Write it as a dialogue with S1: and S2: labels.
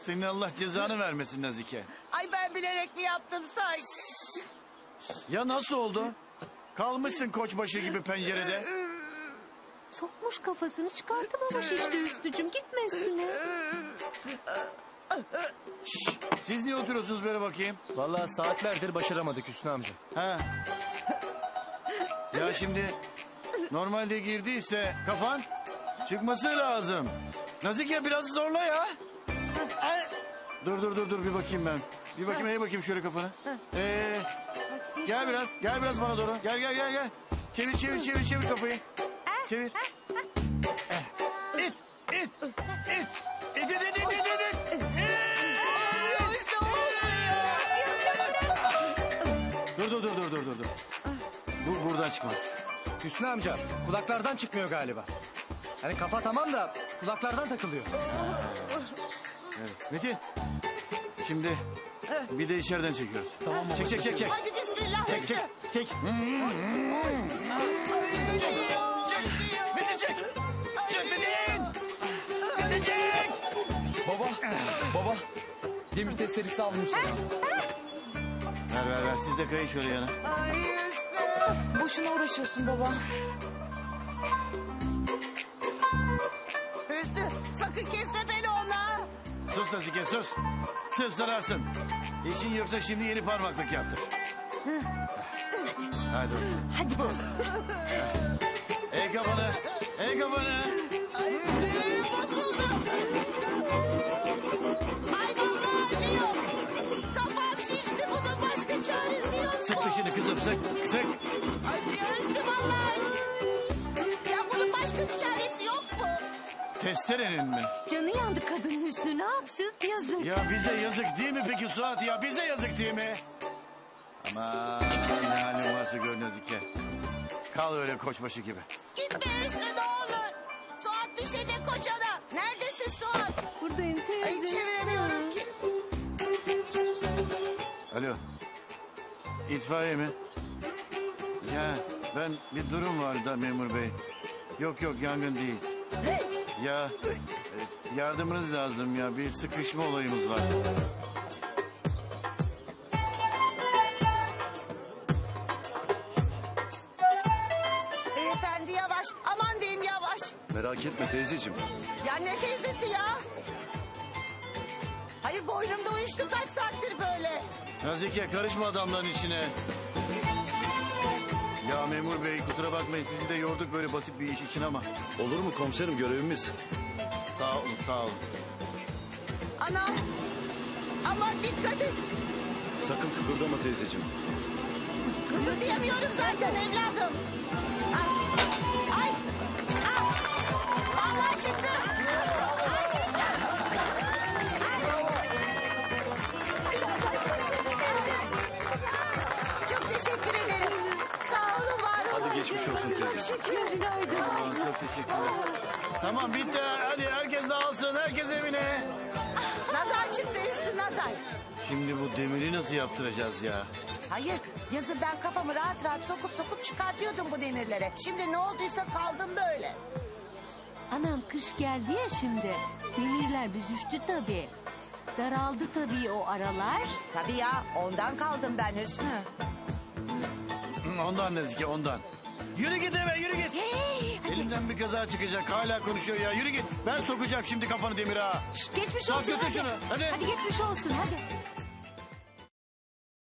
S1: Senin Allah cezanı vermesin Nazike.
S2: Ay ben bilerek mi yaptım sanki?
S1: Ya nasıl oldu? Kalmışsın koçbaşı gibi pencerede.
S3: Sokmuş kafasını çıkartamamış işte Hüsnü'cüm. Gitme üstüne.
S1: Siz niye oturuyorsunuz böyle bakayım?
S4: Vallahi saatlerdir başaramadık Hüsnü amca.
S1: Ha. Ya şimdi normalde girdiyse kafan çıkması lazım. Nazike biraz zorla ya. Dur bir bakayım ben. Bir bakayım eğ bakayım şöyle kafanı. Gel biraz bana doğru. Gel. Çevir kafayı. Çevir. İt. Dur. Bu buradan çıkmaz.
S4: Hüsnü amca kulaklardan çıkmıyor galiba. Hani kafa tamam da kulaklardan takılıyor.
S1: Evet. Metin. Şimdi bir de içeriden çekiyoruz.
S4: Tamam baba.
S1: Çek.
S2: Hadi bismillah.
S1: Çek. Metin çek.
S4: Baba. Demir testeresi almış.
S1: Ver. Siz de kayın şöyle yana.
S2: Ay Hüsnü.
S3: Boşuna uğraşıyorsun baba.
S2: Hüsnü sakın kesme beni ona.
S1: Sus Nazike sus. Sırf zararsın. İşin yoksa şimdi yeni parmaklık yaptır. Hadi.
S3: Hadi baba.
S1: Ey kafanı.
S2: Ay Hüsnü bozuldu. Ay vallahi acıyor. Kafam şişti, bunun başka çaresi yok.
S1: Sık dişini kızım sık.
S2: Acıyor Hüsnü vallahi. Ya bunun başka bir çaresi yok mu?
S1: Testerenin mi?
S3: Canı yandı kadın Hüsnü. Ne yapsın? Yazık.
S1: Ya bize yazık değil mi peki Suat ya? Bize yazık değil mi? Aman ne halin varsa gör Nazike. Kal öyle koçbaşı gibi.
S2: Gitme Hüsnü ne olur. Suat düşecek kocana. Neredesin Suat?
S3: Buradayım teyze.
S2: Ay çeviremiyorum ki.
S1: Alo. İtfaiye mi? Ya ben bir durum var da memur bey. Yok yangın değil. Ya yardımınız lazım ya. Bir sıkışma olayımız var.
S2: Beyefendi yavaş. Aman diyeyim yavaş.
S1: Merak etme teyzeciğim.
S2: Ya ne teyzesi ya? Hayır boynumda uyuştu kaç saattir böyle.
S1: Nazike karışma adamların içine. Ya memur bey kusura bakmayın sizi de yorduk böyle basit bir iş için ama.
S5: Olur mu komiserim, görevimiz?
S1: Sağ olun.
S2: Anam. Aman dikkat et.
S5: Sakın kıpırdama teyzeciğim.
S2: Kıpırdayamıyorum zaten evladım. Ay. Allah çıktı. Çok teşekkür ederim. Sağ olun var olun.
S5: Hadi geçmiş olsun teyze.
S1: Aman, çok teşekkürler. Tamam bitti hadi herkes dağılsın herkes evine.
S2: Nazar çıktı üstü nazar.
S1: Şimdi bu demiri nasıl yaptıracağız ya?
S2: Hayır yazın ben kafamı rahat sokup çıkartıyordum bu demirlere. Şimdi ne olduysa kaldım böyle.
S3: Anam kış geldi ya şimdi. Demirler büzüştü tabii. Daraldı tabii o aralar.
S2: Tabii ya ondan kaldım ben Hüsnü.
S1: Ondan Nazike ondan. Yürü git eve yürü git.
S3: Hey, hadi.
S1: Elimden bir kaza çıkacak hala konuşuyor ya yürü git. Ben sokacağım şimdi kafanı demire ha.
S3: Geçmiş
S1: Sok
S3: olsun.
S1: götür
S3: Hadi.
S1: şunu, hadi.
S3: Hadi geçmiş olsun hadi.